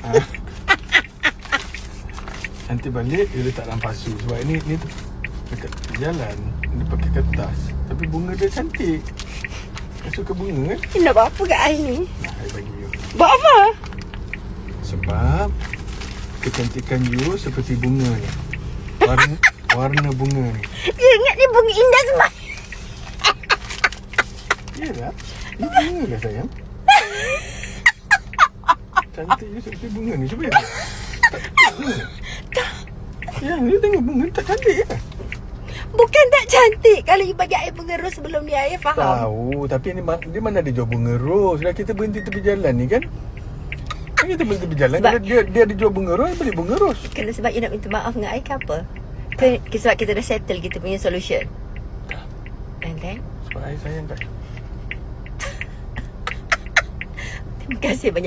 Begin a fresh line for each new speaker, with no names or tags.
Nanti balik dia letak dalam pasu. Sebab ni tu dekat jalan dia pakai kertas. Tapi bunga dia cantik. Saya suka bunga kan.
Nak buat apa kat I ni?
Saya bagi you.
Buat apa?
Sebab kecantikan you seperti bunga ni. Warna bunga ni.
You ingat ni bunga indah semua.
Yelah. Ni bunga lah sayang. Cantik you seperti bunga ni. Cuba lihat. Tak. Yang you tengok bunga tak cantik ke?
Bukan tak cantik. Kalau you bagi I bunga ros sebelum ni, I faham.
Tahu. Tapi ni dia mana ada jual bunga ros. Dah kita berhenti tepi jalan ni kan. Kan kita berhenti tepi jalan.
Sebab
Dia ada jual bunga ros. Beli bunga ros.
kena sebab you nak minta maaf dengan I ke apa? Sebab kita dah settle kita punya solution. And then?
Sebab I sayang kat you.
Terima kasih banyak.